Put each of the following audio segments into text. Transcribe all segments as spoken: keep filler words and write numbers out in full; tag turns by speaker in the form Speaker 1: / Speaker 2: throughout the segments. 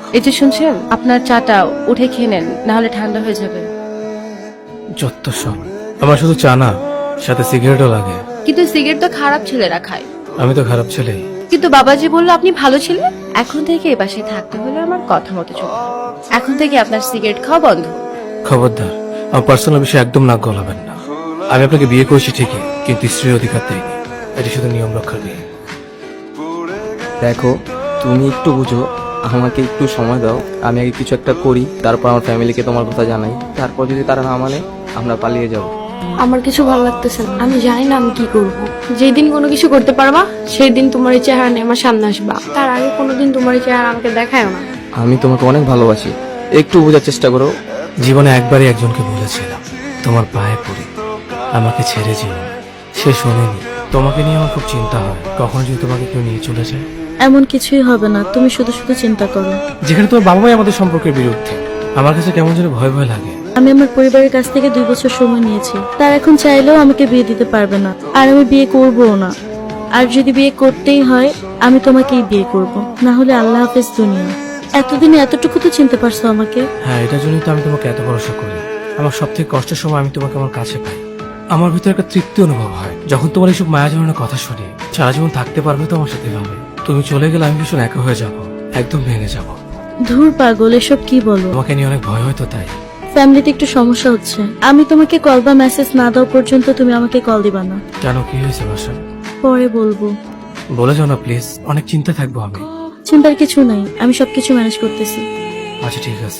Speaker 1: এই যে শুনছেন, আপনার চাটা উঠে খেয়ে নেন, না হলে ঠান্ডা হয়ে যাবে।
Speaker 2: যত সব আমার শুধু চা না, সাথে সিগারেটও লাগে।
Speaker 1: কিন্তু সিগারেট তো খারাপ ছেলেরা খায়।
Speaker 2: আমি তো খারাপ ছেলেই।
Speaker 1: কিন্তু বাবাজি বললো আপনি ভালো ছিলেন। এখন থেকে এই বাসায় থাকতে হলে আমার কথা মতো চলবে। এখন থেকে আপনার সিগারেট খাওয়া বন্ধ।
Speaker 2: খবরদার, আমার পার্সোনাল বিষয়ে একদম নাক গলাবেন না। আমি আপনাকে বিয়ে করেছি ঠিকই, কিন্তু স্ত্রীর অধিকার দেয়নি। এটি শুধু নিয়ম রক্ষার বিয়ে।
Speaker 3: দেখো, তুমি একটু বুঝো, আমাকে একটু সময় দাও। আমি আগে কিছু একটা করি, তারপর আমার ফ্যামিলিকে তোমার কথা জানাই। তারপর যদি তারা না মানে, আমরা পালিয়ে যাব।
Speaker 4: আমার কিছু ভালো লাগতেছে না। আমি জানি না আমি কি করব। যেই দিন কোনো কিছু করতে পারবা, সেই দিন তোমার এই চেহারা নিয়ে আমার সামনে আসবা। তার আগে কোনোদিন তোমার এই চেহারা আমাকে দেখায়ও না।
Speaker 3: আমি তোমাকে অনেক ভালোবাসি, একটু বোঝার চেষ্টা করো।
Speaker 2: জীবনে একবারই একজনকে বলেছিলাম, তোমার পায়ে পড়ি আমাকে ছেড়ে যেও না। সে শোনেনি। তোমাকে নিয়ে আমার খুব চিন্তা হয়, কখনো যদি তোমাকে কেউ নিয়ে চলে যায়।
Speaker 5: এমন কিছুই হবে না, তুমি শুধু শুধু চিন্তা করো।
Speaker 2: যেখানে তোমার বাবা মাই আমাদের সম্পর্কের বিরুদ্ধে, আমার কাছে কেমন যেন ভয় ভয় লাগে।
Speaker 5: আমি আমার পরিবারের কাছ থেকে দুই বছর সময় নিয়েছি। তার এখন চাইলেও আমাকে বিয়ে দিতে পারবে না, আর আমি বিয়ে করবও না। আর যদি বিয়ে করতেই হয়, আমি তোমাকেই বিয়ে করব, না হলে আল্লাহ হাফেজ দুনিয়া। এতদিনে এতটুকু তো চিনতে পারছো আমাকে।
Speaker 2: হ্যাঁ, এটার জন্যই তো আমি তোমাকে এত ভরসা করি। আমার সব থেকে কষ্টের সময় আমি তোমাকে আমার কাছে পাই। আমার ভিতরে একটা তৃপ্তি অনুভব হয় যখন তোমার এইসব মায়া জড়ানোর কথা শুনি। সারা জীবন থাকতে পারবে তো আমার সাথে ভাবে। তুমি চলে গেলে আমি ভীষণ একা হয়ে যাব, একদম ভেঙে যাব।
Speaker 5: ধুর পাগল, এসব কি বলো।
Speaker 2: তোমাকে নিয়ে অনেক ভয় হয়তো, তাই
Speaker 5: ফ্যামিলিতে একটু সমস্যা হচ্ছে। আমি তোমাকে কল বা মেসেজ না দাও পর্যন্ত তুমি আমাকে কল দিবা না।
Speaker 2: কেন, কি হয়েছে বাসা?
Speaker 5: পরে বলবো।
Speaker 2: বলে যাও না প্লিজ, অনেক চিন্তা থাকবো আমি।
Speaker 5: চিন্তার কিছু নাই, আমি সবকিছু ম্যানেজ করতেছি।
Speaker 2: আচ্ছা ঠিক আছে।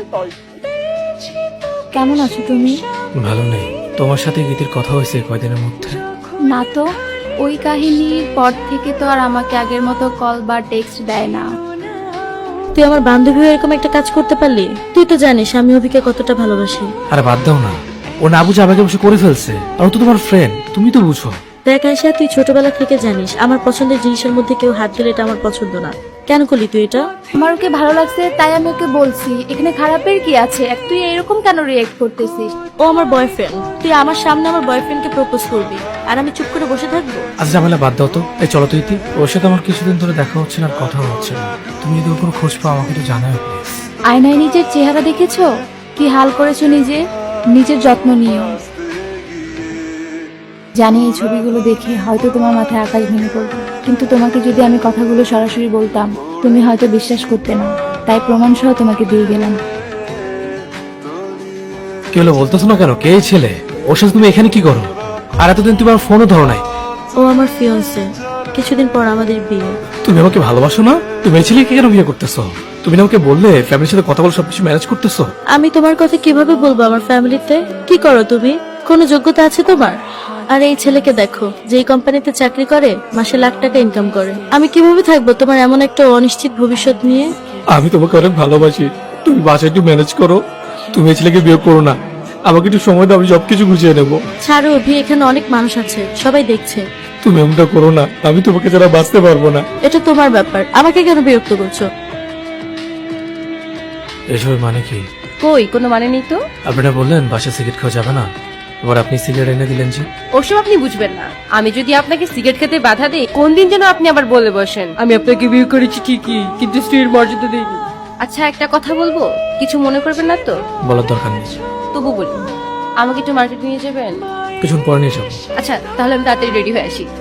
Speaker 4: কেমন আছো তুমি?
Speaker 2: ভালো নেই। তোমার সাথে গীতির কথা হয়েছে কয়দিনের মধ্যে?
Speaker 6: না তো, ওই কাহিনীর পর থেকে তো আর আমাকে আগের মতো কল বা টেক্সট দেয় না।
Speaker 5: তুই আমার বান্ধবী হয়ে এরকম একটা কাজ করতে পারলি? তুই তো জানিস আমি অভিকে কতটা ভালোবাসি।
Speaker 2: আরে বাদ দাও না, ও না বুঝে আমাকে বসে করে ফেলছে। আর ও তো তোমার ফ্রেন্ড, তুমি তো বুঝো।
Speaker 5: দেখ আয়শা, তুই ছোটবেলা থেকে জানিস আমার পছন্দের জিনিসের মধ্যে কেউ হাত দিলে এটা আমার পছন্দ না। কেন করলি তুই এটা?
Speaker 6: আমার ওকে ভালো লাগছে তাই আমি ওকে বলছি। এখানে খারাপের কি আছে? এক তুই এরকম কেন রিয়েক্ট করতেছিস?
Speaker 5: ও আমার বয়ফ্রেন্ড, তুই আমার সামনে আমার বয়ফ্রেন্ডকে প্রপোজ করবি আর আমি চুপ করে বসে থাকবো?
Speaker 2: আচ্ছা ঝামেলা বাদ দাও তো। এই চলো তো ইতি, ওর সাথে আমার কিছুদিন ধরে দেখা হচ্ছে না আর কথা হচ্ছে না। তুমি যদি ওর কোনো খোঁজ পাও আমাকে একটু জানাও প্লিজ।
Speaker 6: আয়নায় নিজের চেহারা দেখেছো? কি হাল করেছো নিজে? নিজের যত্ন নিও। জানি এই ছবিগুলো দেখে হয়তো তোমার মাথায় আকাশ ভেঙে পড়বে, কিন্তু তোমাকে যদি আমি কথাগুলো সরাসরি বলতাম তুমি হয়তো বিশ্বাস করতে না। তাই প্রমাণ সহ তোমাকে দিয়ে গেলাম।
Speaker 2: কি হলো বলতেছো না কেন? কে এই ছেলে? ওর সাথে তুমি এখানে কি করো? আর এতদিন তুমি আমার ফোনও ধরো নাই।
Speaker 5: ও আমার ফিয়ন্সে, কিছুদিন পর আমাদের বিয়ে।
Speaker 2: তুমি আমাকে ভালোবাসো না? তুমি এই ছেলেকে কেন বিয়ে করতেছো? তুমি না আমাকে বললে ফ্যামিলির সাথে কথা বলে সবকিছু ম্যানেজ করতেছো।
Speaker 5: আমি তোমার কথা কিভাবে বলবো আমার ফ্যামিলিতে? কি করো তুমি? কোনো যোগ্যতা আছে তোমার? আর এই ছেলেকে দেখো, যেই কোম্পানিতে চাকরি করে মাসে লাখ টাকা ইনকাম করে। আমি কিভাবে থাকবো তোমার এমন একটা অনিশ্চিত ভবিষ্যৎ নিয়ে?
Speaker 2: আমি তোমাকে অনেক ভালোবাসি, তুমি বাসায় একটু ম্যানেজ করো। তুমি এই ছেলেকে বিয়ে করো না, আমাকে একটু সময় দাও, আমি সবকিছু গুছিয়ে নেবো।
Speaker 5: ছাড়ো অভি, এখানে অনেক মানুষ আছে, সবাই দেখছে।
Speaker 2: তুমি এমনটা করো না, আমি তোমাকে ছাড়া বাঁচতে পারবো না।
Speaker 5: এটা তোমার ব্যাপার, আমাকে কেন বিরক্ত করছো?
Speaker 2: এসবের মানে কি?
Speaker 1: কই, কোনো মানে নেই তো।
Speaker 2: আপনারা বললেন বাসায় সিগারেট খাওয়া যাবে না, এবার আপনি সিগারেট এনে দিলেন যে।
Speaker 1: ওসব আপনি বুঝবেন না। আমি যদি আপনাকে সিগারেট খেতে বাধা দিই, কোন দিন যেন আপনি আবার বলে বসেন আমি আপনাকে বিয়ে করেছি ঠিকই, কিন্তু স্ত্রীর মর্যাদা দিইনি। আচ্ছা একটা কথা বলবো, কিছু মনে করবেন না তো?
Speaker 2: বলার দরকার নেই,
Speaker 1: তবু বলি, আমাকে একটু মার্কেট নিয়ে যাবেন?
Speaker 2: কিছুক্ষণ পরে নিয়ে যাবো।
Speaker 1: আচ্ছা তাহলে আমি তাড়াতাড়ি রেডি হয়ে আসি।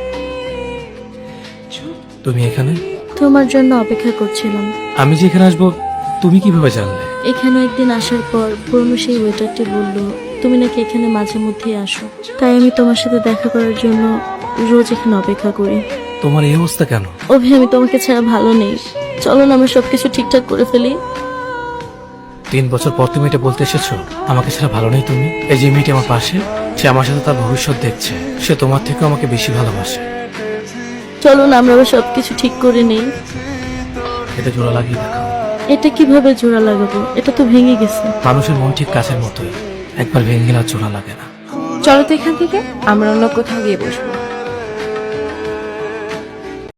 Speaker 2: তুমি এখানে?
Speaker 5: তোমার জন্য অপেক্ষা করছিলাম।
Speaker 2: আমি যে এখানে আসবো তুমি কিভাবে জানলে?
Speaker 5: এখানে একদিন আসার পর পুরনো সেই ওয়েটারটি বলল তুমি নাকি এখানে মাঝে মধ্যেই আসো, তাই আমি তোমার সাথে দেখা করার জন্য রোজ এখানে অপেক্ষা করি।
Speaker 2: তোমার এই অবস্থা কেন?
Speaker 5: অভি, আমি তোমাকে ছাড়া ভালো নেই, চলো না আমরা সবকিছু ঠিকঠাক করে ফেলি।
Speaker 2: তিন বছর পর তুমি এটা বলতে এসেছো আমাকে ছাড়া ভালো নেই তুমি? এই যে মেয়েটি আমার পাশে, সে আমার সাথে তার ভবিষ্যৎ দেখছে, সে তোমার থেকে আমাকে বেশি ভালোবাসে।
Speaker 5: চলো না আমরা আবার সবকিছু ঠিক করে নেই।
Speaker 2: এটা জোড়া লাগিয়ে দেখো।
Speaker 5: এটা কিভাবে জোড়া লাগাবো? এটা তো ভেঙে গেছে।
Speaker 2: মানুষের মন ঠিক কাছের মতোই, একবার ভেঙে গেলে আর জোড়া লাগে না।
Speaker 1: চলো তো এখান থেকে আমরা অন্য কোথাও গিয়ে বসবো।